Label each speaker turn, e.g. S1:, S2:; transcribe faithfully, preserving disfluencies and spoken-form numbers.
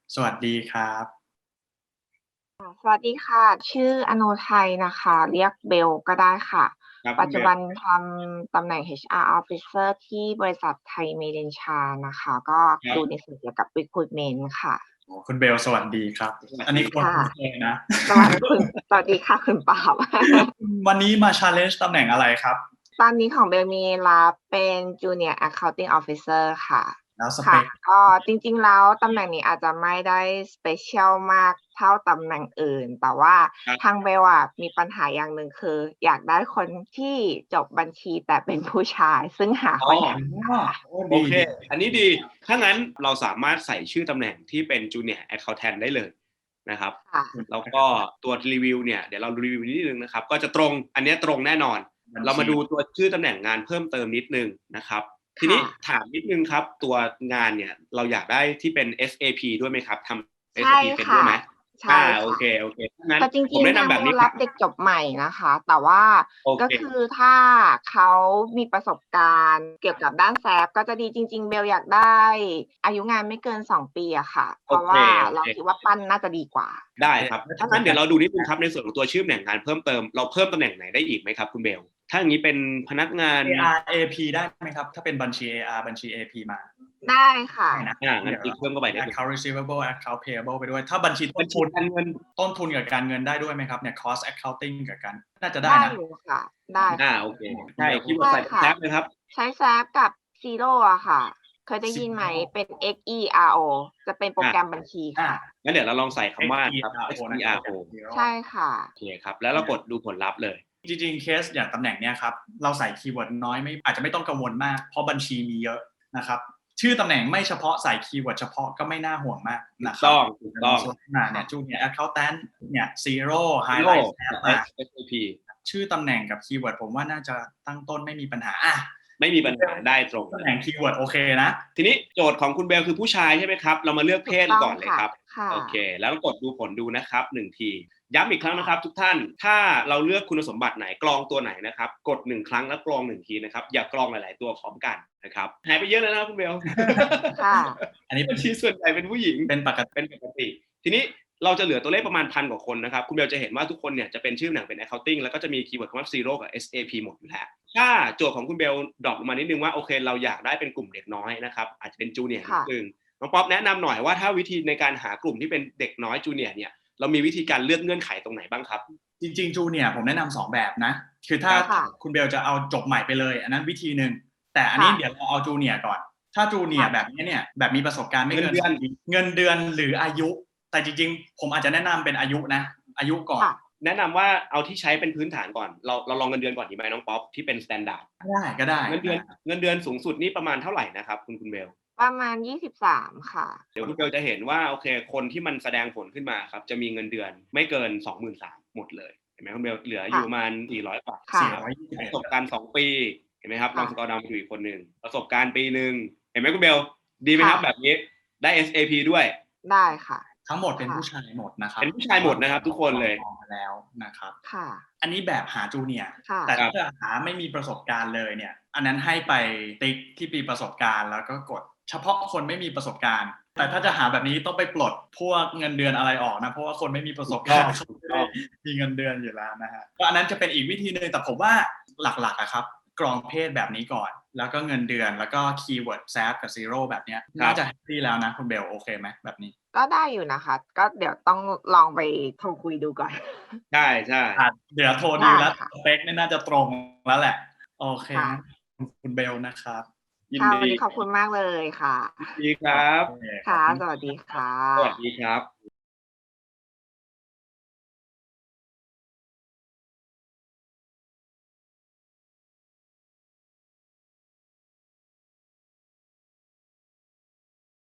S1: สวัสดีครับ
S2: ค่ะ สวัสดีค่ะ ชื่ออโนทัยนะคะ เรียกเบลก็ได้ค่ะ
S3: ครับ
S2: ป
S3: คัุณ
S2: จ
S3: เ
S2: จ
S3: บุล
S2: บันทำตำแหน่ง เอช อาร์ Officer ที่บริษัทไทย Medencha นะคะ ก็
S3: คร
S2: ดัู
S3: บ
S2: ในส่วนเกี่ยวกับ recruitment ค่ะ
S1: อ๋อ คุณเบลสวัสดีครับ อันนี้ คน
S2: ค่ะ
S1: คุ้นเคยนะ
S2: สวัสดีคุณ สวัสดีค่ะ คุณปาล์ม
S1: วันนี้มา challenge ตำแหน่งอะไรครับ
S2: ตอนนี้ของเบลมีรับเป็น Junior Accounting Officer ค่ะ
S1: แล้วส
S2: ค
S1: เป่
S2: ะ
S1: ก
S2: ก็จริง ๆ แล้วตำแหน่งนี้อาจจะไม่ได้ special มากเท่าตำแหน่งอื่น แต่ว่า
S3: ครับ
S2: ทางเบลอะมีปัญหาอย่างหนึ่ง คืออยากได้คนที่จบบัญชีแต่เป็นผู้ชาย ซึ่งหา
S3: อ๋อ
S2: ค่อนข้างยาก
S1: โอ้
S3: โอ
S1: ดี
S3: เค
S1: ดี
S3: อันนี้ดี ถ้างั้นเราสามารถใส่ชื่อตำแหน่งที่เป็น Junior Accountant ได้เลยนะครับ
S2: ค่ะ
S3: แล้วก็ตัวรีวิวเนี่ย เดี๋ยวเรารีวิวนิดหนึ่งนะครับ ก็จะตรง อันเนี้ยตรงแน่นอน
S1: บัญชี
S3: เรามาดูตัวชื่อตำแหน่งงานเพิ่มเติมนิดหนึ่งนะครับ ที
S2: ค่
S3: นี้
S2: ะ
S3: ถามนิดหนึ่งครับ ตัวงานเนี่ยเราอยากได้ที่เป็น เอส เอ พี ด้วยไหมครับ ทำ เอส
S2: ใช
S3: เอ พี เป็น
S2: ค
S3: ด้
S2: ่
S3: วย
S2: ะ
S3: ไหม?
S2: ใช
S3: อ่า โอ
S2: ค่ะ
S3: เค ๆ ถ้างั้น
S2: แต่จ
S3: ผ
S2: ริง ๆ ท
S3: มแนะน
S2: าง
S3: ำแบ
S2: เบล
S3: บนี้
S2: รับเด็กจบใหม่นะคะ แต่ว่า
S3: โอเค
S2: ก็คือถ้าเขามีประสบการณ์เกี่ยวกับด้าน แซป ก็จะดี จริง ๆ เบลอยากได้อายุงานไม่เกิน สอง ปีอะค่ะ เพ
S3: โอ
S2: ราะ
S3: เค
S2: ว่า
S3: โอ
S2: เรา
S3: เค
S2: คิดว่าปั้นน่าจะดีกว่า
S3: ได้ครับ ถ้างั้นเดี๋ยวเราดูนิดหนึ่งครับ ในส่วนของตัวชื่อตำแหน่งงานเพิ่มเติม เราเพิ่มตำแหน่งไหนได้อีกไหมครับคุณเบล? ถ้าอย่างงี้เป็นพนักงาน
S1: เอ อาร์ เอ พี ได้ไหมครับ? ถ้าเป็นบัญชี เอ อาร์ บัญชี เอ พี มา
S2: ได้ค่ะ
S1: ได้นะ
S3: อา งั้
S1: เด
S3: นี
S1: ๋ยว
S3: ติ๊กเพิ่มเข้าไปนิดหนึ่ง
S1: Account Receivable Account Payable ไปด้วย ถ้าบัญชีต
S3: บั
S1: ้
S3: ญช
S1: นทีุน
S3: การเงิน
S1: ต้นทุนกับการเงินได้ด้วยไหมครับเนี่ย Cost Accounting กับการ น่าจะได้
S2: ได้
S1: นะ
S2: อยู่ค่ะ ได้
S3: อา
S2: ค่ะ
S3: โอเค
S1: คุ
S3: ใช
S1: ณ
S3: ่
S1: เบล
S3: คีย์เวิ
S2: ใ
S3: ร
S2: ช
S3: ด์
S2: ่
S3: ใส่
S2: ค่ะ
S3: แซป เลยครับ
S2: ใช้ แซป กับ Xero อะค่ะ เคยได้ยินไหม?
S1: Xero
S2: เป็น เอ็กซ์ อี อาร์ โอ จะเป็นโปร
S3: อา
S2: แกรมบัญชี
S1: อา
S2: ค่ะ
S3: งั้นเดี๋ยวเราลองใส่คำว่าครับ
S1: XERO นะครั
S3: XERO
S1: บ Xero
S2: ใช่ค่ะ
S3: โอเคครับ แล้วเรากดดูผลลัพธ์เลย
S1: จริง ๆ เคสอย่างตำแหน่งเนี้ยครับ เราใส่คีย์เวิร์ดน้อยไม่ อาจจะไม่ต้องกังวลมาก เพราะบัญชีมีเยอะนะครับ ชื่อตำแหน่งไม่เฉพาะ ใส่คีย์เวิร์ดเฉพาะก็ไม่น่าห่วงมากนะค
S3: ถูกต
S1: รั้บ
S3: อง ถูกต้อง
S1: อ่า เนี่ย Junior Accountant เนี่ย Xero
S3: Xero
S1: Highlight แซป
S3: กับ
S1: มา
S3: เอส เอ พี
S1: ชื่อตำแหน่งกับคีย์เวิร์ดผมว่าน่าจะตั้งต้นไม่มีปัญหา อา
S3: ไม่มีปัญหา ได้ตรง
S1: ตำแหน่งคีย์เวิร์ดโอเคนะ
S3: ทีนี้โจทย์ของคุณเบลคือผู้ชายใช่ไหมครับ? เรามาเลือก
S2: ถ
S3: เพู
S2: ก
S3: ศ
S2: ต้องค
S3: ก่อนเลย่
S2: ะ
S3: ครับ
S2: ค่ะ
S3: โอเค แล้วกดดูผลดูนะครับ หนึ่ง ที ย้ำอีกครั้ง
S2: ค่
S3: นะ
S2: ะ
S3: ครับทุกท่าน ถ้าเราเลือกคุณสมบัติไหน กรองตัวไหนนะครับ กด หนึ่ง ครั้งแล้วกรอง หนึ่ง ทีนะครับ อย่ากรองหลาย ๆ ตัวพร้อมกันนะครับ หายไปเยอะเลยนะครับคุณเบล
S2: ค่ะ
S1: อันนี้
S3: บัญชีส่วนใหญ่เป็นผู้หญิง
S1: เป็นปกติ
S3: เป็นปกติ ทีนี้เราจะเหลือตัวเลขประมาณ พัน กว่าคนนะครับ คุณเบลจะเห็นว่าทุกคนเนี่ยจะเป็นชื่อตำแหน่งเป็น Accounting แล้วก็จะมีคีย์เวิร์ดคำว่า Xero กับ เอส เอ พี หมดอยู่แล้ว ถ้าโจทย์ของคุณเบลดร็อปลงมานิดหนึ่งว่า โอเค เราอยากได้เป็นกลุ่มเด็กน้อยนะครับ อาจจะเป็น Junior
S2: ค
S3: นิ่ด
S2: ะ
S3: หนึ่ง น้องป๊อปแนะนำหน่อยว่า ถ้าวิธีในการหากลุ่มที่เป็นเด็กน้อย Junior เนี่ย เรามีวิธีการเลือกเงื่อนไขตรงไหนบ้างครับ?
S1: จริง ๆ Junior ผมแนะนำ สอง แบบนะ คือถ้า
S3: ครับ
S2: ค่ะ
S1: คุณเบลจะเอาจบใหม่ไปเลย อันนั้นวิธีหนึ่ง แต่อัน
S2: ค
S1: นี่้
S2: ะ
S1: เดี๋ยวเราเอา Junior ก่อน ถ้า
S2: ค่
S1: Junior
S2: ะ
S1: แบบนี้เนี่ย แบบมีประสบการณ์ไม่เกิน
S3: เงินเดือน
S1: สอง ปี เงินเดือนหรืออายุ แต่จริง ๆ ผมอาจจะแนะนำเป็นอายุนะ อายุก่อน
S2: ค่ะ
S3: แนะนำว่าเอาที่ใช้เป็นพื้นฐานก่อน เรา เราลองเงินเดือนก่อนดีไหมน้องป๊อป ที่เป็น สแตนดาร์ด
S1: ก็ได้
S3: เงินเดือน
S1: ๆ นะ
S3: เงินเดือนสูงสุดนี่ประมาณเท่าไรนะครับคุณ คุณเบล?
S2: ประมาณ ยี่สิบสาม ค่ะ
S3: เดี๋ยวคุณเบลจะเห็นว่า โอเค คนที่มันแสดงผลขึ้นมาครับ จะมีเงินเดือนไม่เกิน สองหมื่นสาม หมดเลย เห็นไหมคุณเบล เหลือ
S2: ค
S3: อยู่่
S2: ะ
S3: ประมาณ สี่ร้อย กว่า
S2: ค่
S1: สี่
S2: ะ
S1: ร้อยยี่สิบเอ็ด
S3: ประสบการณ์ สอง ปี เห็นไหมครับ
S2: ค
S3: ล่อง
S2: ะ
S3: สกอร์ดาวน์ไปดูอีกคนหนึ่ง ประสบการณ์ปีหนึ่ง เห็นไหมคุณเบล ดีไหม
S2: ค่
S3: ครับ
S2: ะ
S3: แบบนี้ ได้ เอส เอ พี ด้วย
S2: ได้ค่ะ
S1: ทั้งหมดเป็น
S2: ค่ะ
S1: ผู้ชายหมดนะครั
S3: เป
S1: บ
S3: ็นผู้ชายหมดนะครับทุกคนเลย
S1: มองมาแล้วนะครับ
S2: ค่ะ
S1: อันนี้แบบหา Junior
S2: ค่ะ
S1: แต่
S3: ครั
S1: ถ้า
S3: บ
S1: จะหาไม่มีประสบการณ์เลยเนี่ย อันนั้นให้ไปติ๊กที่มีประสบการณ์ แล้วก็กดเฉพาะคนไม่มีประสบการณ์ แต่ถ้าจะหาแบบนี้ต้องไปปลดพวกเงินเดือนอะไรออกนะ เพราะว่าคนไม่มีประสบการณ์ เขาไม่ได้มีเงินเดือนอยู่แล้วนะครับ ก็อันนั้นจะเป็นอีกวิธีหนึ่ง แต่ผมว่าหลัก ๆ อะครับ กรองเพศแบบนี้ก่อน แล้วก็เงินเดือน แล้วก็คีย์เวิร์ด แซป กับ Xero แบบเนี้ย
S3: คร
S1: น่า
S3: ับ
S1: จะแฮปปีแล้วนะคุณเบล โอเคไหมแบบนี้?
S2: ก็ได้อยู่นะคะ ก็เดี๋ยวต้องลองไปโทรคุยดูก่อน
S3: ใช่
S1: อา
S3: ๆ
S1: เดี๋ยวโทร
S2: ไ
S1: ด
S2: ดู้
S1: แล้ว
S2: ค่ะ
S1: สเปกนี่น่าจะตรงแล้วแหละ โอเค
S2: ค่ะ
S1: งั้น ขอบคุณเบลนะครับ
S3: ยิ
S2: ค
S3: น่
S2: ะ
S3: ด
S2: วันีนี้ขอบคุณมากเลยค่ะ
S3: ยินดีครับ
S1: โอเค ข
S2: ค่
S1: อบ
S2: ะ
S1: คุณ
S2: สวัสดี
S1: ค
S2: ค
S1: รับ
S2: ่
S3: สวัส
S2: ะ
S3: ดีครับ